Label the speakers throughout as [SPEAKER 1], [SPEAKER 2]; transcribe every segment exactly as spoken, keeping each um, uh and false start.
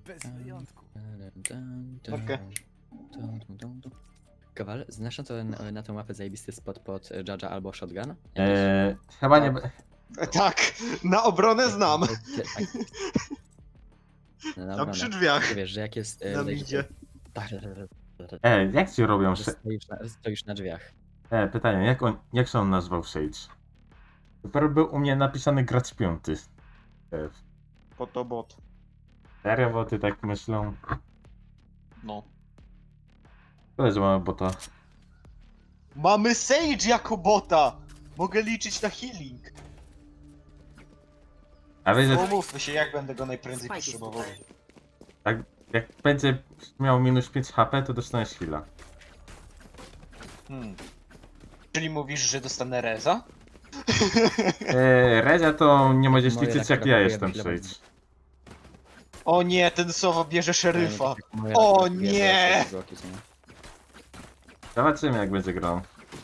[SPEAKER 1] Bez wyjątku.
[SPEAKER 2] Okej.
[SPEAKER 3] Kowal, znasz na, to, na, na tą mapę zajebisty spot pod Judge'a albo Shotgun? Jakiś?
[SPEAKER 4] Eee, chyba nie...
[SPEAKER 2] Tak. Tak, na obronę znam.
[SPEAKER 3] Tak. No,
[SPEAKER 2] Tam
[SPEAKER 3] dobra,
[SPEAKER 2] przy
[SPEAKER 3] no.
[SPEAKER 2] drzwiach.
[SPEAKER 3] Wiesz, że jak jest... e,
[SPEAKER 2] Na
[SPEAKER 3] wejście-
[SPEAKER 2] midzie.
[SPEAKER 3] Tak,
[SPEAKER 4] Ej, jak ci robią...
[SPEAKER 3] że
[SPEAKER 4] Sze...
[SPEAKER 3] stoisz na, stoisz na drzwiach.
[SPEAKER 4] E, pytanie, jak on, jak się on nazwał Sage? Dopiero był u mnie napisany gracz piąty. E,
[SPEAKER 2] Po to bot.
[SPEAKER 4] serio, bo ty tak myślą?
[SPEAKER 2] No.
[SPEAKER 4] Tyle, że mamy bota.
[SPEAKER 2] Mamy Sage jako bota! Mogę liczyć na healing.
[SPEAKER 4] A wiesz, że
[SPEAKER 2] Umówmy się, jak będę go najprędzej potrzebował.
[SPEAKER 4] jak będzie miał minus pięć H P, to dostaniesz heal'a.
[SPEAKER 2] Hmm. Czyli mówisz, że dostanę reza?
[SPEAKER 4] Eee, Redzia to nie możesz
[SPEAKER 3] Moje
[SPEAKER 4] liczyć
[SPEAKER 3] tak
[SPEAKER 4] jak ja
[SPEAKER 3] brakuje,
[SPEAKER 4] jestem
[SPEAKER 3] myślę,
[SPEAKER 4] Sage.
[SPEAKER 2] O nie, ten Sowa bierze szeryfa.
[SPEAKER 3] Moja
[SPEAKER 2] O
[SPEAKER 3] taka wiedza,
[SPEAKER 2] nie!
[SPEAKER 3] że bloki są.
[SPEAKER 4] Zobaczymy jak będzie grał.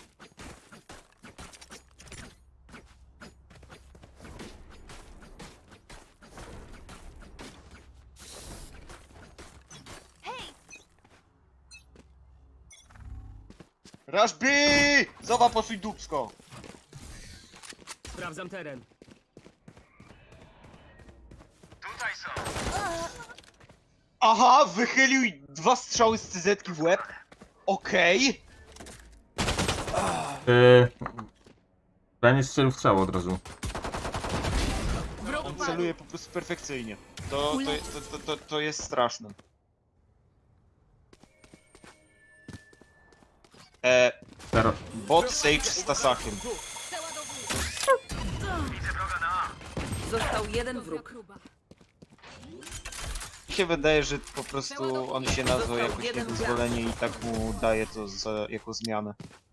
[SPEAKER 2] Rush B! Sowa, posuń dupsko.
[SPEAKER 1] Sprawdzam teren.
[SPEAKER 2] Aha, wychylił dwa strzały z C Z-ki w łeb. Okej.
[SPEAKER 4] Eee, ja nie strzelił w ciało od razu.
[SPEAKER 2] On celuje po prostu perfekcyjnie. To, to, to, to, to, to jest straszne. E,
[SPEAKER 4] Teraz.
[SPEAKER 2] bot Sage z Tasakiem.
[SPEAKER 5] Został jeden wróg.
[SPEAKER 2] Mi się wydaje, że po prostu on się nazwał jakoś niedozwolenie i tak mu daje to za, jako zmianę.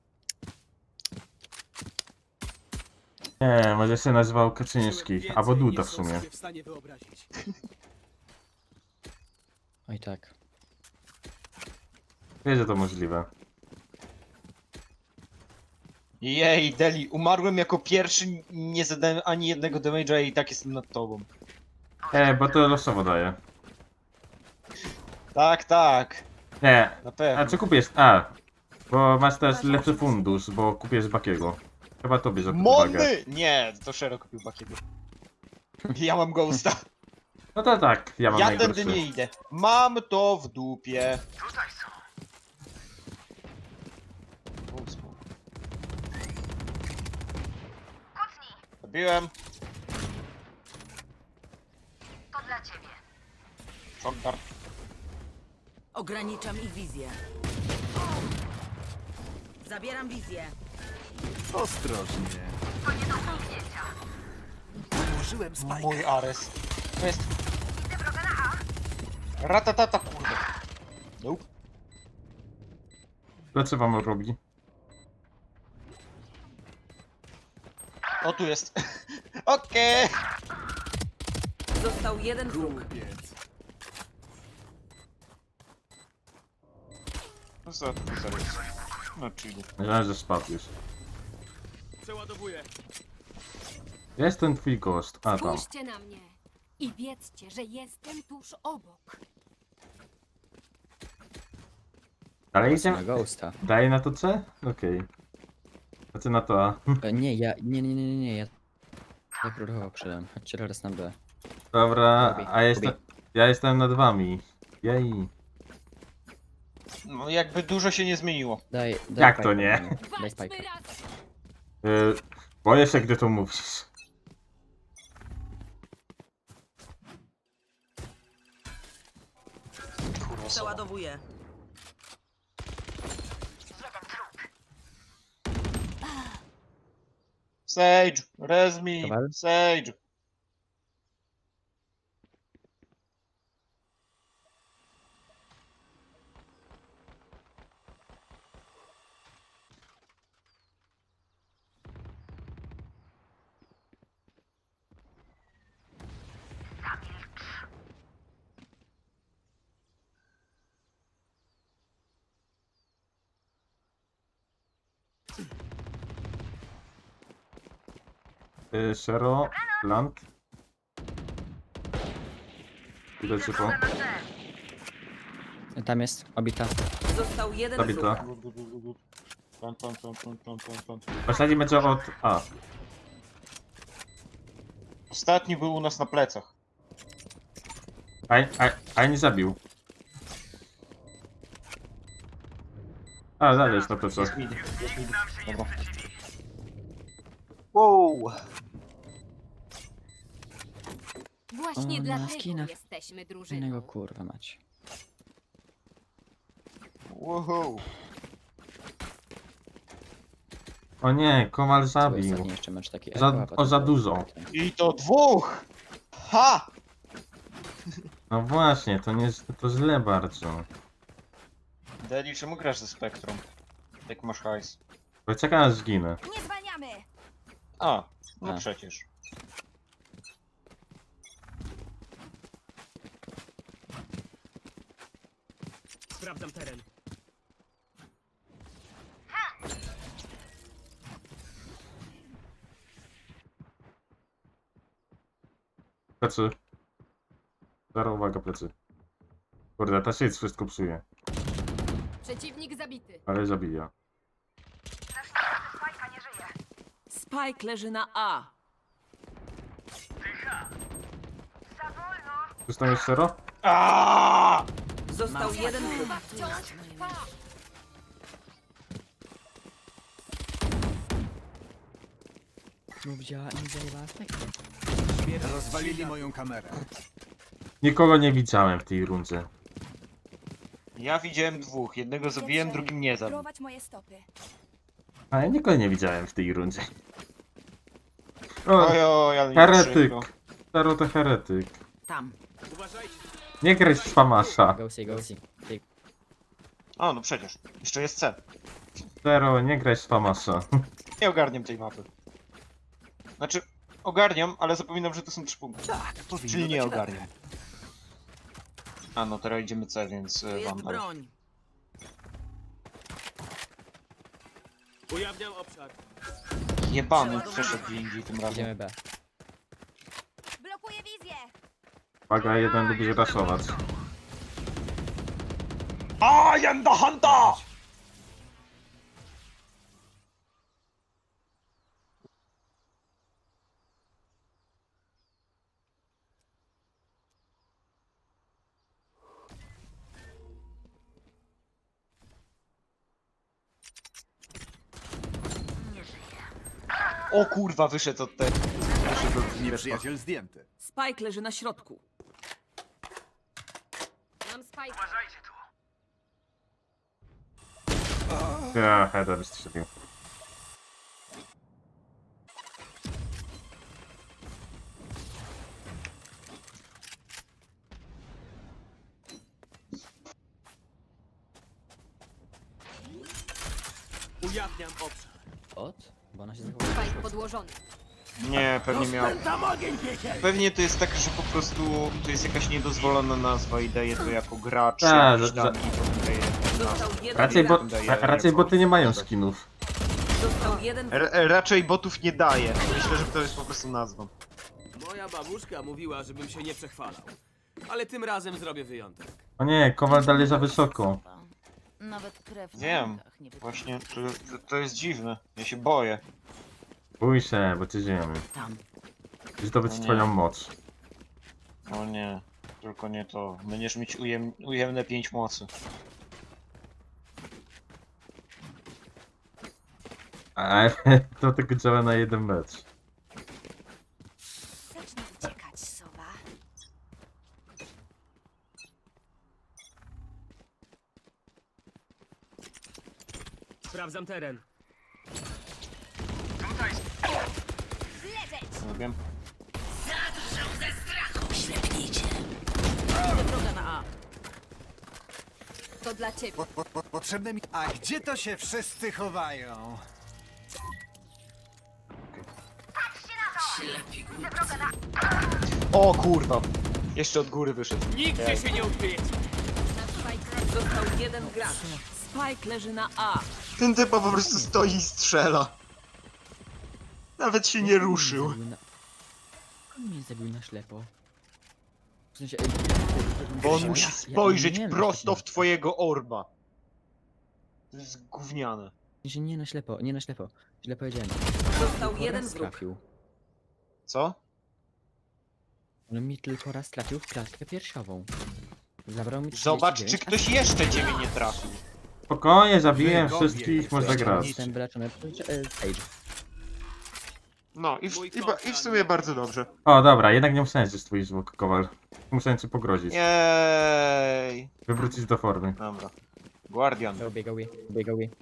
[SPEAKER 4] Nie, może się nazywał Kaczyński, albo Duda w sumie.
[SPEAKER 3] Oj tak.
[SPEAKER 4] Wiesz, że to możliwe.
[SPEAKER 2] Jej, Deli, umarłem jako pierwszy, nie zadałem ani jednego damage'a i tak jestem nad tobą.
[SPEAKER 4] E, bo to losowo daje.
[SPEAKER 2] Tak, tak,
[SPEAKER 4] Nie,
[SPEAKER 2] na
[SPEAKER 4] a
[SPEAKER 2] pewno.
[SPEAKER 4] czy kupisz? A, bo masz też lepszy fundusz, bo kupisz Bakiego. Chyba to bierze pod uwagę.
[SPEAKER 2] Mony! Nie, to Shero kupił Bakiego. Ja mam Ghosta.
[SPEAKER 4] No to tak, ja mam
[SPEAKER 2] Ja
[SPEAKER 4] najgorszy.
[SPEAKER 2] tędy nie idę. Mam to w dupie. Zabiłem.
[SPEAKER 6] To dla ciebie.
[SPEAKER 2] Shotgun.
[SPEAKER 5] Ograniczam ich wizję. Zabieram wizję.
[SPEAKER 1] Ostrożnie.
[SPEAKER 6] To nie do pominięcia.
[SPEAKER 1] Użyłem spajka.
[SPEAKER 2] Mój Ares. To jest
[SPEAKER 6] Widzę wroga na A.
[SPEAKER 2] ratatata, kurde. Nope.
[SPEAKER 4] Dlaczego wam robi?
[SPEAKER 2] O, tu jest. Okej.
[SPEAKER 5] Został jeden wróg.
[SPEAKER 1] Kupiec.
[SPEAKER 2] No co to za jest? No czyli.
[SPEAKER 4] Myślałem, że spadł już.
[SPEAKER 1] Przeładowuję.
[SPEAKER 4] Jest ten twój gość. A, tam.
[SPEAKER 7] Spójrzcie na mnie i wiedzcie, że jestem tuż obok.
[SPEAKER 4] Ale
[SPEAKER 3] Na
[SPEAKER 4] idziemy...
[SPEAKER 3] Ghosta.
[SPEAKER 4] Daje na to C? Okej. Znaczy na to A.
[SPEAKER 3] E, Nie, ja... Nie, nie, nie, nie, nie, ja... Ja próbował przydam. Chodźcie teraz na B.
[SPEAKER 4] Dobra,
[SPEAKER 3] Robi,
[SPEAKER 4] a jestem...
[SPEAKER 3] robi.
[SPEAKER 4] Ja jestem nad wami. Jej.
[SPEAKER 2] No jakby dużo się nie zmieniło.
[SPEAKER 3] Daj, daj
[SPEAKER 4] Jak to
[SPEAKER 3] spajka,
[SPEAKER 4] nie?
[SPEAKER 3] panie. Daj
[SPEAKER 7] Walczmy
[SPEAKER 3] spajka.
[SPEAKER 7] razem!
[SPEAKER 4] Yy, boję się, gdy to mówisz.
[SPEAKER 2] Kurwa, Sowa.
[SPEAKER 5] Przeładowuję.
[SPEAKER 2] Sage, res me,
[SPEAKER 3] Kowal?
[SPEAKER 2] Sage.
[SPEAKER 4] Yy, Shero, Plant.
[SPEAKER 2] Idę
[SPEAKER 4] Idę ciepło.
[SPEAKER 3] Tam jest, obita.
[SPEAKER 5] Został jeden
[SPEAKER 4] Zabita.
[SPEAKER 5] wróg.
[SPEAKER 2] Plan, plan, plan, plan, plan, plan, plan.
[SPEAKER 4] Ostatni będzie od A.
[SPEAKER 2] Ostatni był u nas na plecach.
[SPEAKER 4] A, a, a nie zabił. A, dalej jest na to co.
[SPEAKER 2] Jest mid, jest mid. Dobra. Wow!
[SPEAKER 7] Właśnie
[SPEAKER 3] O, na
[SPEAKER 7] dlatego
[SPEAKER 3] skinach.
[SPEAKER 7] jesteśmy
[SPEAKER 3] Innego
[SPEAKER 7] drużyną.
[SPEAKER 3] kurwa mać.
[SPEAKER 2] Wow!
[SPEAKER 4] O nie, Kowal
[SPEAKER 3] To był
[SPEAKER 4] zabił.
[SPEAKER 3] ostatni jeszcze mecz taki.
[SPEAKER 4] Za-
[SPEAKER 3] eko, a
[SPEAKER 4] o,
[SPEAKER 3] potem
[SPEAKER 4] za
[SPEAKER 3] był-
[SPEAKER 4] dużo.
[SPEAKER 2] I to dwóch! Ha!
[SPEAKER 4] No właśnie, to nie to źle bardzo.
[SPEAKER 2] Deli, czemu grasz ze Spektrum? Jak masz hajs.
[SPEAKER 4] Bo czekam aż zginę.
[SPEAKER 7] Nie zwalniamy!
[SPEAKER 2] A, no
[SPEAKER 3] A.
[SPEAKER 2] przecież.
[SPEAKER 1] Sprawdzam teren.
[SPEAKER 4] Plecy. Zero, uwaga, plecy. Kurde, ta shit wszystko psuje.
[SPEAKER 7] Przeciwnik zabity.
[SPEAKER 4] Ale zabija.
[SPEAKER 6] Spajka nie żyje.
[SPEAKER 5] Spike leży na A.
[SPEAKER 6] Za wolno.
[SPEAKER 4] Tu tam jest zero?
[SPEAKER 2] Aaaa!
[SPEAKER 5] Został jeden wróg.
[SPEAKER 7] Wciąż trwa!
[SPEAKER 3] Mów działa i nie zajebała efektu.
[SPEAKER 1] Rozwalili moją kamerę.
[SPEAKER 4] Nikogo nie widziałem w tej rundzie.
[SPEAKER 2] Ja widziałem dwóch. Jednego zabiłem, drugim nie zabił.
[SPEAKER 7] Prowadź moje stopy.
[SPEAKER 4] A ja nikogo nie widziałem w tej rundzie. O,
[SPEAKER 2] Ojoj, ale mi
[SPEAKER 4] heretyk.
[SPEAKER 2] przykro.
[SPEAKER 4] Zero to heretyk.
[SPEAKER 5] Tam.
[SPEAKER 1] Uważajcie.
[SPEAKER 4] Nie graj z Famasza.
[SPEAKER 3] Ghosty, ghosty. Ty,
[SPEAKER 2] O, no przecież. Jeszcze jest C.
[SPEAKER 4] Zero, nie graj z Famasza.
[SPEAKER 2] Nie ogarniam tej mapy. Znaczy, ogarniam, ale zapominam, że to są trzy punkty.
[SPEAKER 1] Tak, powinno
[SPEAKER 2] Czyli nie
[SPEAKER 1] dać radę.
[SPEAKER 2] ogarniam. A no, teraz idziemy C, więc
[SPEAKER 5] Tu
[SPEAKER 2] y,
[SPEAKER 5] jest
[SPEAKER 2] Vandal.
[SPEAKER 5] broń.
[SPEAKER 1] Ujawniam obszar.
[SPEAKER 2] Jebany przeszedł gdzie indziej tym razem.
[SPEAKER 3] idziemy B.
[SPEAKER 7] Blokuję wizję!
[SPEAKER 4] Uwaga, jeden lubi raszować.
[SPEAKER 2] I am the hunter! O kurwa, wyszedł od tego. Wyszedł od Mirosława.
[SPEAKER 1] Nieprzyjaciel zdjęty.
[SPEAKER 5] Spike leży na środku.
[SPEAKER 7] Mam spajkę.
[SPEAKER 4] Ja, header strzelił.
[SPEAKER 1] Ujawniam obszar.
[SPEAKER 3] Od? Bo ona się zachowała.
[SPEAKER 7] Spajk podłożony.
[SPEAKER 2] Nie, pewnie miał.
[SPEAKER 1] Rozpętam ogień piekiel!
[SPEAKER 2] Pewnie to jest tak, że po prostu to jest jakaś niedozwolona nazwa i daje to jako gracz.
[SPEAKER 4] Tak,
[SPEAKER 2] jakiś
[SPEAKER 4] że-
[SPEAKER 2] tam i potem daje
[SPEAKER 5] Został
[SPEAKER 2] nazwę.
[SPEAKER 5] jeden
[SPEAKER 4] Raczej, bo,
[SPEAKER 5] gracz.
[SPEAKER 4] ra, raczej boty nie mają skinów.
[SPEAKER 5] Został jeden wróg.
[SPEAKER 2] R raczej botów nie daje. Myślę, że to jest po prostu nazwa.
[SPEAKER 1] Moja babuszka mówiła, żebym się nie przechwalał. Ale tym razem zrobię wyjątek.
[SPEAKER 4] O nie, Kowal dalej za wysoko.
[SPEAKER 8] Nawet krew na
[SPEAKER 2] Wiem.
[SPEAKER 8] rękach nie wytrzymała.
[SPEAKER 2] Właśnie, to, to, to jest dziwne. Ja się boję.
[SPEAKER 4] Bój się, bo cię ziemi.
[SPEAKER 5] Tam.
[SPEAKER 4] Zdobyć
[SPEAKER 2] No nie.
[SPEAKER 4] twoją moc.
[SPEAKER 2] O nie, tylko nie to. Będziesz mieć ujem, ujemne pięć mocy.
[SPEAKER 4] Ale to tylko działa na jeden mecz.
[SPEAKER 7] Zacznij uciekać, sowa.
[SPEAKER 1] Sprawdzam teren.
[SPEAKER 7] Leżeć!
[SPEAKER 2] Nie wiem.
[SPEAKER 5] Widzę wroga na A.
[SPEAKER 7] To dla ciebie.
[SPEAKER 1] Po, po, po, potrzebne mi... A gdzie to się wszyscy chowają?
[SPEAKER 2] O kurwa! Jeszcze od góry wyszedł.
[SPEAKER 1] Nigdzie się nie ukryjecie!
[SPEAKER 7] Nasz spajk
[SPEAKER 5] Został jeden gracz. Spike leży na A.
[SPEAKER 2] Ten typa po prostu stoi i strzela. Nawet się nie ruszył.
[SPEAKER 3] On mnie zabił na ślepo. W sensie, ej,
[SPEAKER 2] Bo on
[SPEAKER 3] ja-
[SPEAKER 2] musi
[SPEAKER 3] ja- ja
[SPEAKER 2] spojrzeć
[SPEAKER 3] nie wiem,
[SPEAKER 2] prosto
[SPEAKER 3] jak
[SPEAKER 2] w twojego orba. To jest gówniane.
[SPEAKER 3] W sensie nie na ślepo, nie na ślepo. Źle powiedziałem.
[SPEAKER 5] Został
[SPEAKER 3] Tylko
[SPEAKER 5] jeden
[SPEAKER 3] raz
[SPEAKER 5] wróg.
[SPEAKER 3] trafił.
[SPEAKER 2] Co?
[SPEAKER 3] On mi tylko raz trafił w klatkę piersiową. Zabrał mi
[SPEAKER 2] Zobacz, czy
[SPEAKER 3] trzydzieści dziewięć,
[SPEAKER 2] ktoś jeszcze ciebie nie trafił.
[SPEAKER 4] Spokojnie, zabiłem
[SPEAKER 9] Wygowie
[SPEAKER 4] wszystkich, można
[SPEAKER 9] jesteście.
[SPEAKER 4] grać.
[SPEAKER 3] a jestem wyleczony przez e, Sage.
[SPEAKER 2] No i w,
[SPEAKER 1] Mój
[SPEAKER 2] i, ba-
[SPEAKER 1] kochany.
[SPEAKER 2] i w sumie bardzo dobrze.
[SPEAKER 4] O, dobra, jednak nie musiałem że jest twój zwłok, Kowal. Musiałem ci pogrozić.
[SPEAKER 2] Jej.
[SPEAKER 4] Wywrócić do formy.
[SPEAKER 2] Dobra. Guardian.
[SPEAKER 3] Go, biegał je, biegał je.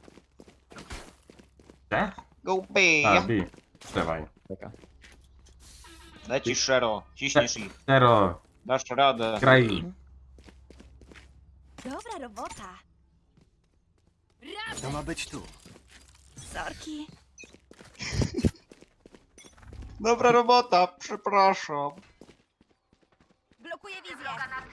[SPEAKER 4] Te?
[SPEAKER 2] Go B.
[SPEAKER 4] A, bij. Dawaj.
[SPEAKER 3] Taka.
[SPEAKER 2] Lecisz Shero. Ciśniesz ich.
[SPEAKER 4] Zero.
[SPEAKER 2] Dasz radę.
[SPEAKER 4] Graj.
[SPEAKER 8] Dobra robota.
[SPEAKER 9] To ma być tu.
[SPEAKER 8] Sorki.
[SPEAKER 2] Dobra robota, przepraszam.
[SPEAKER 8] Blokuję wizję.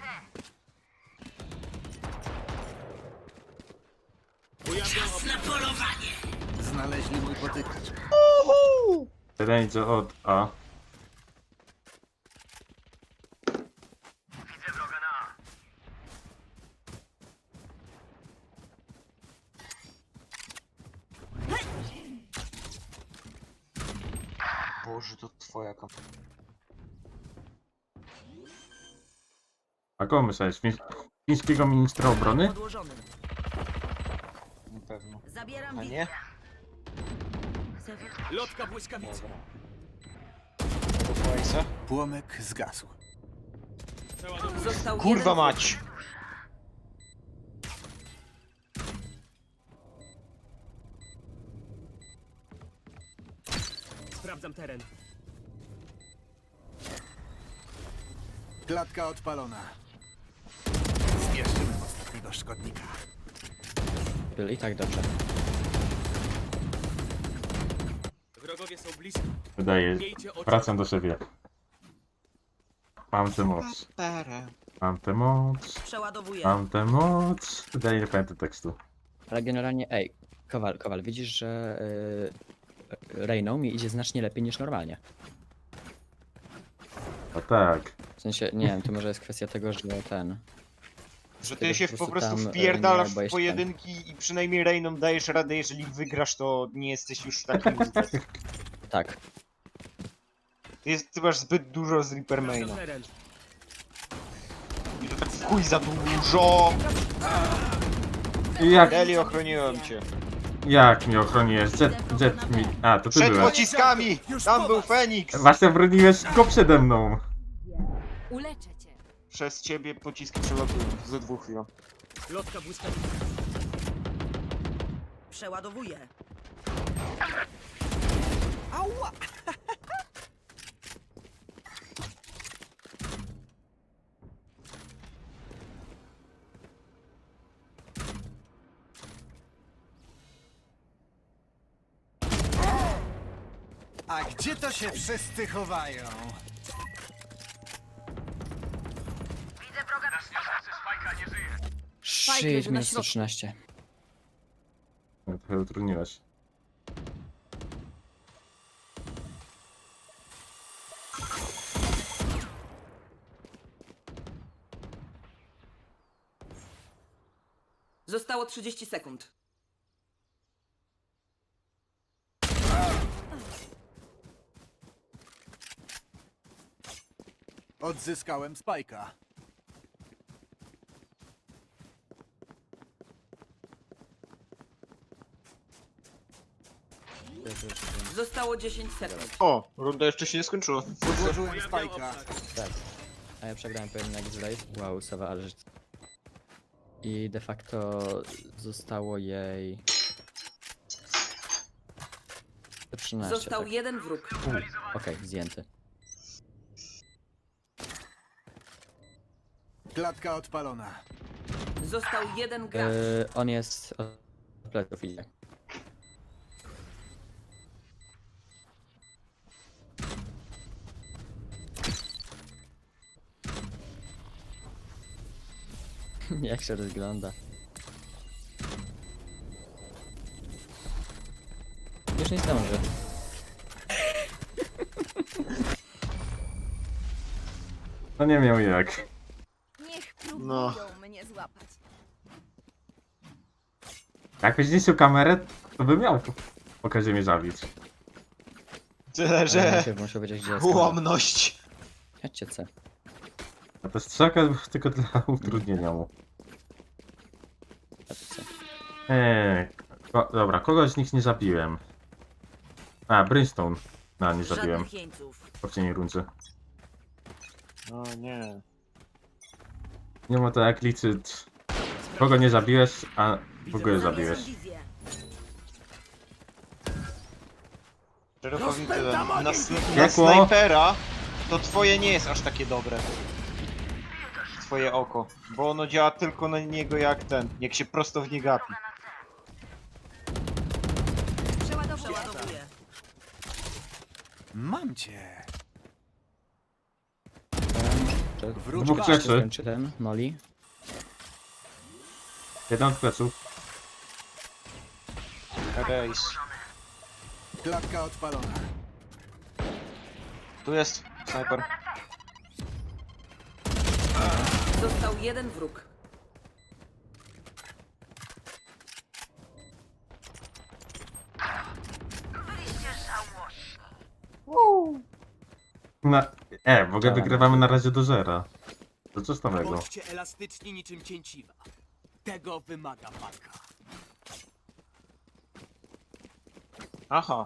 [SPEAKER 9] Znaleźli mój potykacz.
[SPEAKER 4] Jeden idzie od A.
[SPEAKER 2] Boże, to twoja kam...
[SPEAKER 4] A kogo myślałeś? Fiń- Fińskiego ministra obrony?
[SPEAKER 5] Odłożony.
[SPEAKER 2] Na pewno.
[SPEAKER 5] Zabieram
[SPEAKER 2] A
[SPEAKER 5] wizję.
[SPEAKER 2] nie?
[SPEAKER 1] Lotka błyskawicy.
[SPEAKER 2] To twoja.
[SPEAKER 9] Płomek zgasł.
[SPEAKER 5] Został
[SPEAKER 2] Kurwa
[SPEAKER 5] jeden
[SPEAKER 2] mać!
[SPEAKER 1] Sprawdzam teren.
[SPEAKER 9] Klatka odpalona. Zmierzymy ostatniego szkodnika.
[SPEAKER 3] Był i tak dobrze.
[SPEAKER 1] Wrogowie są blisko.
[SPEAKER 4] Wydaje.
[SPEAKER 1] Miejcie oczy.
[SPEAKER 4] Wracam do siebie. Mam tę moc. Mam tę moc.
[SPEAKER 5] Przeładowuję.
[SPEAKER 4] Mam tę moc. Wydaje, nie pamiętam tekstu.
[SPEAKER 3] Ale generalnie, ej, Kowal, Kowal, widzisz, że yy, Reyną mi idzie znacznie lepiej niż normalnie.
[SPEAKER 4] A tak.
[SPEAKER 3] W sensie, nie wiem, to może jest kwestia tego, że ten...
[SPEAKER 2] Że
[SPEAKER 3] tego,
[SPEAKER 2] ty się
[SPEAKER 3] że
[SPEAKER 2] po prostu
[SPEAKER 3] tam, e,
[SPEAKER 2] wpierdalasz
[SPEAKER 3] nie
[SPEAKER 2] w
[SPEAKER 3] boisz
[SPEAKER 2] pojedynki i przynajmniej Reyną dajesz radę, jeżeli wygrasz, to nie jesteś już taki useless.
[SPEAKER 3] ten. Tak.
[SPEAKER 2] Ty, jest, ty masz zbyt dużo z
[SPEAKER 1] Sprawdzam
[SPEAKER 2] Reapermaina.
[SPEAKER 1] teren.
[SPEAKER 2] I to tak w chuj za dużo!
[SPEAKER 4] Jak,
[SPEAKER 2] Deli, ochroniłem cię.
[SPEAKER 4] jak mnie ochroniłeś? Jet, jet mi... A, to ty
[SPEAKER 2] Przed
[SPEAKER 4] byłeś.
[SPEAKER 2] pociskami! Tam był Feniks!
[SPEAKER 4] Właśnie broniłeś go przede mną.
[SPEAKER 7] Uleczę cię.
[SPEAKER 2] Przez ciebie pociski przelatują. Ze dwóch chwil.
[SPEAKER 1] Lotka błyskawicy.
[SPEAKER 5] Przeładowuję.
[SPEAKER 9] A gdzie to się wszyscy chowają?
[SPEAKER 3] Shit,
[SPEAKER 5] leży na
[SPEAKER 3] minus
[SPEAKER 5] środku.
[SPEAKER 3] sto trzynaście.
[SPEAKER 4] Trochę utrudniłeś.
[SPEAKER 5] Zostało trzydzieści sekund.
[SPEAKER 9] Odzyskałem Spajka.
[SPEAKER 5] Zostało dziesięć sekund.
[SPEAKER 2] O, runda jeszcze się nie skończyła.
[SPEAKER 9] Podłożyłem Spajka.
[SPEAKER 3] A ja przegrałem pojedynek z Raze. Wow, Sawa, ale że... I de facto zostało jej... sto trzynaście,
[SPEAKER 5] Został
[SPEAKER 3] tak.
[SPEAKER 5] jeden wróg.
[SPEAKER 3] Okej, zdjęty.
[SPEAKER 9] Klatka odpalona.
[SPEAKER 5] Został jeden gracz.
[SPEAKER 3] Yy, on jest... od pleców idzie. Jak się rozgląda. Już nie zdąży.
[SPEAKER 4] No nie miał jak.
[SPEAKER 2] No.
[SPEAKER 8] Próbują mnie złapać.
[SPEAKER 4] Jakbyś zniszczył kamerę, to by miał okazję mnie zabić.
[SPEAKER 2] Tyle,
[SPEAKER 3] Ale
[SPEAKER 2] że
[SPEAKER 3] najpierw muszę wiedzieć, gdzie jest kamera.
[SPEAKER 2] ułomność.
[SPEAKER 3] Chodźcie C.
[SPEAKER 4] A to strzałka tylko dla utrudnienia mu.
[SPEAKER 3] Chodźcie C.
[SPEAKER 4] Eee, ko dobra, kogoś z nich nie zabiłem. A, Brimstone. No, nie zabiłem.
[SPEAKER 5] Żadnych jeńców.
[SPEAKER 4] W poprzedniej rundzie.
[SPEAKER 2] No nie.
[SPEAKER 4] Nie ma to jak liczyć. Kogo nie zabiłeś, a w ogóle zabiłeś.
[SPEAKER 5] Zamierzam wizję.
[SPEAKER 2] Szczerze powiem tyle. Na, na
[SPEAKER 4] Piekło.
[SPEAKER 2] snajpera to twoje nie jest aż takie dobre. Twoje oko. Bo ono działa tylko na niego jak ten. Jak się prosto w nie gapi.
[SPEAKER 8] Przeładowuję.
[SPEAKER 5] Przeładowuję.
[SPEAKER 9] Mam cię.
[SPEAKER 3] Czy
[SPEAKER 9] Wróć
[SPEAKER 4] Dwóch
[SPEAKER 9] back.
[SPEAKER 4] plecy.
[SPEAKER 3] skończy ten Molly?
[SPEAKER 4] Jeden od pleców.
[SPEAKER 2] Rejs.
[SPEAKER 9] Klatka odpalona.
[SPEAKER 2] Tu jest snajper.
[SPEAKER 5] Został jeden wróg.
[SPEAKER 4] Na... E, w ogóle
[SPEAKER 3] Dobra.
[SPEAKER 4] wygrywamy na razie do zera. To co z nowego?
[SPEAKER 1] Bądźcie elastyczni niczym cięciwa. Tego wymaga walka.
[SPEAKER 2] Aha.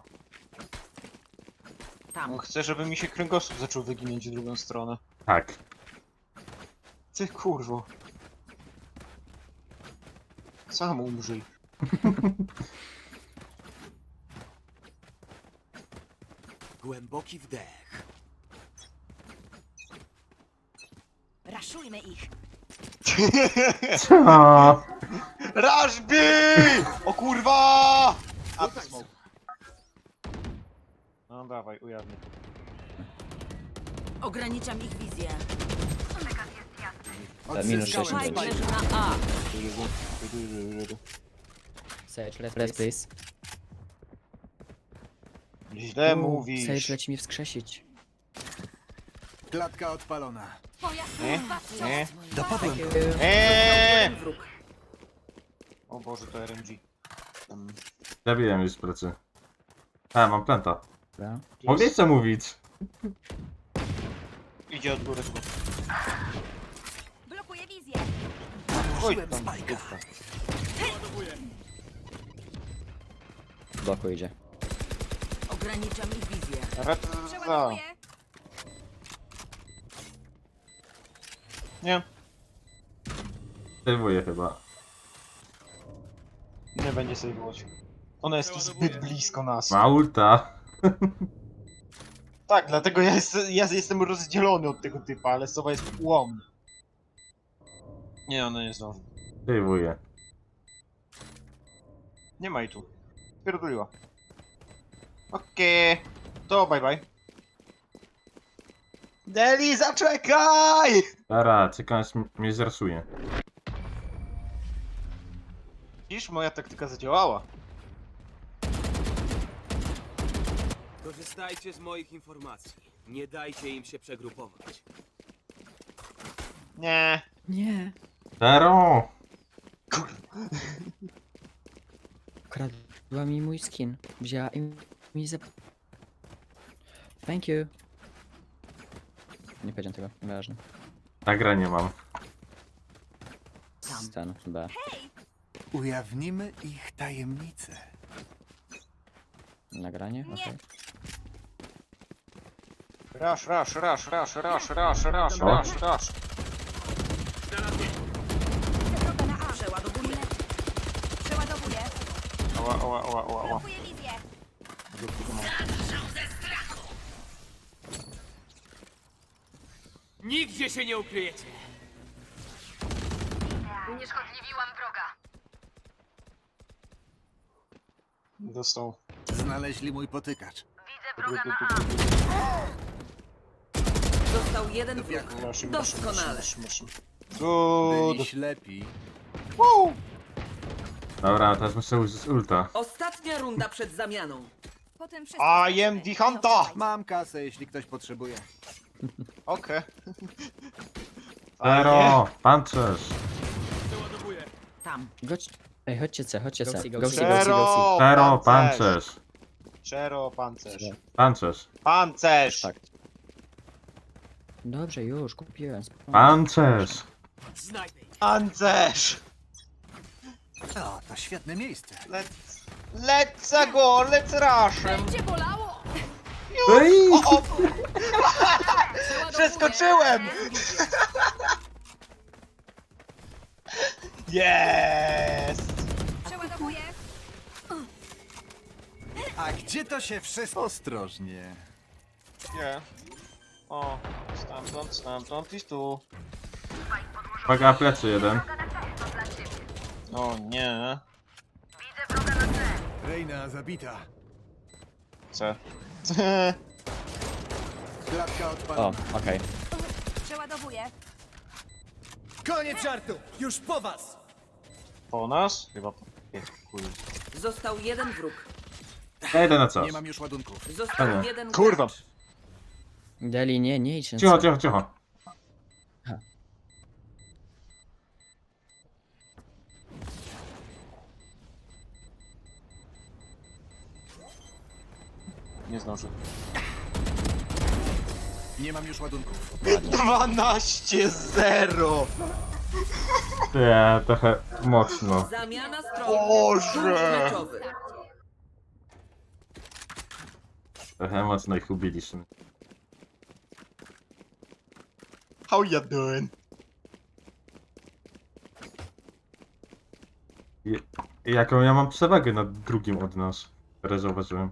[SPEAKER 5] Tam.
[SPEAKER 2] No chcę, żeby mi się kręgosłup zaczął wyginąć w drugą stronę.
[SPEAKER 4] Tak.
[SPEAKER 2] Ty kurwo. Sam umrzyj.
[SPEAKER 1] Głęboki wdech.
[SPEAKER 8] Raszujmy ich.
[SPEAKER 4] Co?
[SPEAKER 2] Rashby! O kurwa! A to smoke. No dawaj, ujawnię.
[SPEAKER 5] Ograniczam ich wizję.
[SPEAKER 3] minus sześć.
[SPEAKER 9] Odzyskałem
[SPEAKER 5] Spike
[SPEAKER 9] spajka.
[SPEAKER 5] leży na A.
[SPEAKER 3] Sage, let's, let's please.
[SPEAKER 2] Źle
[SPEAKER 3] Uuu,
[SPEAKER 2] mówisz.
[SPEAKER 3] Sage leci mi wskrzesić.
[SPEAKER 9] Klatka odpalona.
[SPEAKER 7] Twoja
[SPEAKER 2] Nie?
[SPEAKER 7] służba
[SPEAKER 2] Nie?
[SPEAKER 9] Dopadłem go.
[SPEAKER 2] Eee!
[SPEAKER 5] Jeden wróg.
[SPEAKER 2] O Boże, to R N G. Um,
[SPEAKER 4] Zabiłem już z plecy. A, mam planta.
[SPEAKER 3] Dobra.
[SPEAKER 4] Mogę co mówić?
[SPEAKER 2] idzie od góry.
[SPEAKER 8] Blokuję wizję.
[SPEAKER 2] Oj, tam dupka.
[SPEAKER 3] W boku idzie.
[SPEAKER 5] Ograniczam ich wizję.
[SPEAKER 2] Rata.
[SPEAKER 8] Przeładowuję.
[SPEAKER 2] Nie,
[SPEAKER 4] Sejwuję chyba.
[SPEAKER 2] nie będzie sejwować. Ona jest tu zbyt blisko nas.
[SPEAKER 4] Ma ulta.
[SPEAKER 2] Tak, dlatego ja, jest, ja jestem rozdzielony od tego typa, ale Sowa jest ułomny. Nie, ona nie zdąży.
[SPEAKER 4] Sejwuję.
[SPEAKER 2] Nie ma jej tu. Pierdoliła. Okej. To bye bye. Deli, zaczekaj!
[SPEAKER 4] Dobra, czekam aż m- mnie zrasuje.
[SPEAKER 2] Widzisz, moja taktyka zadziałała.
[SPEAKER 1] Korzystajcie z moich informacji. Nie dajcie im się przegrupować.
[SPEAKER 2] Nie.
[SPEAKER 3] Nie.
[SPEAKER 4] Zero!
[SPEAKER 3] Kradła mi mój skin. Wzięła i mi zap... Thank you. Nie powiedziałem tego, nieważne.
[SPEAKER 4] Nagra nie mam.
[SPEAKER 3] Stan, B.
[SPEAKER 9] Ujawnimy ich tajemnicę.
[SPEAKER 3] Nagranie? Okej.
[SPEAKER 2] Rush, rush, rush, rush, rush, rush, rush,
[SPEAKER 4] O.
[SPEAKER 2] rush, rush.
[SPEAKER 8] Droga na A.
[SPEAKER 5] Przeładowuję.
[SPEAKER 8] Przeładowuję.
[SPEAKER 2] Ała, ała, ała, ała, ała.
[SPEAKER 8] Blokuję wizję.
[SPEAKER 1] Nigdzie się nie ukryjecie!
[SPEAKER 6] Unieszkodliwiłam wroga.
[SPEAKER 2] Dostał.
[SPEAKER 9] Znaleźli mój potykacz.
[SPEAKER 6] Widzę wroga na A.
[SPEAKER 5] Został jeden wróg.
[SPEAKER 2] Rush,
[SPEAKER 5] Doskonale.
[SPEAKER 2] rush, rush, rush. Good.
[SPEAKER 9] Byli ślepi.
[SPEAKER 2] Woo!
[SPEAKER 4] Dobra, teraz muszę użyć ulta.
[SPEAKER 5] Ostatnia runda przed zamianą.
[SPEAKER 8] Potem wszystko
[SPEAKER 2] I am
[SPEAKER 8] skończymy.
[SPEAKER 2] the hunter!
[SPEAKER 9] Mam kasę, jeśli ktoś potrzebuje.
[SPEAKER 2] Okej.
[SPEAKER 4] Zero! Pancerz!
[SPEAKER 1] Przeładowuję.
[SPEAKER 5] Tam.
[SPEAKER 3] Gość... Ej, chodźcie C, chodźcie C. Goxi, Goxi, goxi, goxi,
[SPEAKER 2] Zero!
[SPEAKER 3] goxi.
[SPEAKER 4] Zero!
[SPEAKER 2] Pancerz!
[SPEAKER 4] Pancerz!
[SPEAKER 2] Czero, pancerz.
[SPEAKER 4] Pancerz!
[SPEAKER 2] Pancerz!
[SPEAKER 3] Tak. Dobrze, już, kupiłem. spokojnie.
[SPEAKER 4] Pancerz!
[SPEAKER 1] Znajdę ich.
[SPEAKER 2] Pancerz!
[SPEAKER 9] O, to świetne miejsce.
[SPEAKER 2] Let's... Let's go! Let's rush!
[SPEAKER 8] Będzie bolało!
[SPEAKER 4] Ej!
[SPEAKER 2] O, o!
[SPEAKER 5] Przeładowuję.
[SPEAKER 2] Przeskoczyłem! Jest!
[SPEAKER 8] Przeładowuję.
[SPEAKER 9] A gdzie to się wszystko... Ostrożnie.
[SPEAKER 2] Nie. O, stamtąd, stamtąd i tu.
[SPEAKER 4] Uwaga, plecy jeden.
[SPEAKER 2] O nie.
[SPEAKER 9] Reina zabita.
[SPEAKER 2] Co?
[SPEAKER 9] Klatka
[SPEAKER 3] O,
[SPEAKER 9] odpalona.
[SPEAKER 3] okej.
[SPEAKER 8] Przeładowuję.
[SPEAKER 9] Koniec żartu! Już po was!
[SPEAKER 2] Po nas? Chyba po... Nie, chuj.
[SPEAKER 5] Został jeden wróg.
[SPEAKER 4] Ja idę na coś.
[SPEAKER 9] Nie mam już ładunków.
[SPEAKER 5] Został
[SPEAKER 4] Dobra.
[SPEAKER 5] jeden
[SPEAKER 2] Kurwa.
[SPEAKER 5] gracz.
[SPEAKER 3] Deli, nie, nie idź na
[SPEAKER 4] Cicho,
[SPEAKER 3] C.
[SPEAKER 4] cicho, cicho.
[SPEAKER 2] Nie zdążę.
[SPEAKER 9] Nie mam już ładunków.
[SPEAKER 2] dwanaście zero!
[SPEAKER 4] Nie, trochę mocno.
[SPEAKER 5] Zamiana stron.
[SPEAKER 2] Boże.
[SPEAKER 5] Punkt meczowy.
[SPEAKER 4] Trochę mocno ich ubiliśmy.
[SPEAKER 2] How you doing?
[SPEAKER 4] I, jaką ja mam przewagę nad drugim od nas? Teraz zauważyłem.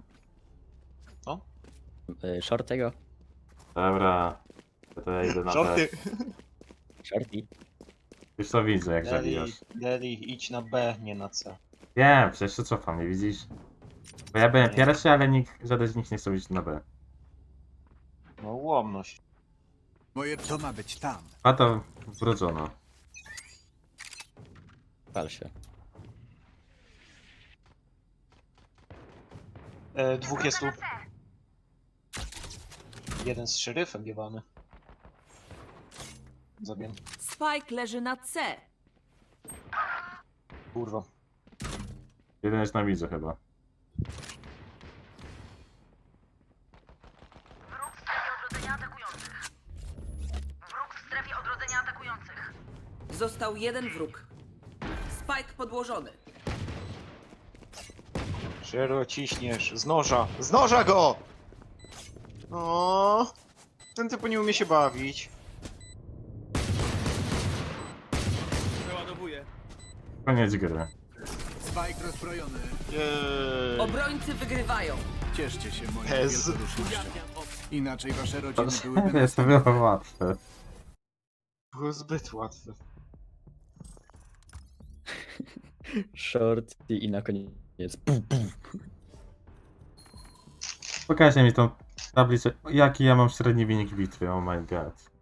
[SPEAKER 3] Y, Shortego.
[SPEAKER 4] Dobra. To ja idę na B.
[SPEAKER 2] Żarty.
[SPEAKER 3] Shorty.
[SPEAKER 4] Już to widzę, jak
[SPEAKER 2] Deli,
[SPEAKER 4] zabijasz.
[SPEAKER 2] Deli, idź na B, nie na C.
[SPEAKER 4] Nie, przecież to cofam, nie widzisz? Bo ja byłem pierwszy, ale nikt, żaden z nich nie chce iść na B.
[SPEAKER 2] No łomność.
[SPEAKER 9] Moje to ma być tam.
[SPEAKER 4] A to wrodzono.
[SPEAKER 3] Pal się.
[SPEAKER 2] E, dwóch jest tu. Jeden z szeryfem jebany. Zabiję.
[SPEAKER 5] Spike leży na C.
[SPEAKER 2] Kurwa.
[SPEAKER 4] Jeden jest na widzu chyba.
[SPEAKER 6] Odrodzenia atakujących. Wróg w strefie odrodzenia atakujących.
[SPEAKER 5] Został jeden wróg. Spike podłożony.
[SPEAKER 2] Szero ciśniesz. Z noża. Z noża go! O, ten typu nie umie się bawić.
[SPEAKER 1] Przeładowuję.
[SPEAKER 4] Koniec gry.
[SPEAKER 9] Spike rozbrojony.
[SPEAKER 2] Jej.
[SPEAKER 5] Obrońcy wygrywają.
[SPEAKER 9] Cieszcie się moją
[SPEAKER 2] Pez.
[SPEAKER 9] wielkodusznością.
[SPEAKER 1] Ujawniam obcy.
[SPEAKER 9] Inaczej wasze rodziny
[SPEAKER 4] To
[SPEAKER 9] byłyby
[SPEAKER 4] jest
[SPEAKER 9] następne.
[SPEAKER 4] było łatwe.
[SPEAKER 2] Było zbyt łatwe.
[SPEAKER 3] Shorty i na koniec. Pum, pum.
[SPEAKER 4] Pokażcie mi tą tablicę. Jaki ja mam średni wynik bitwy, oh my god.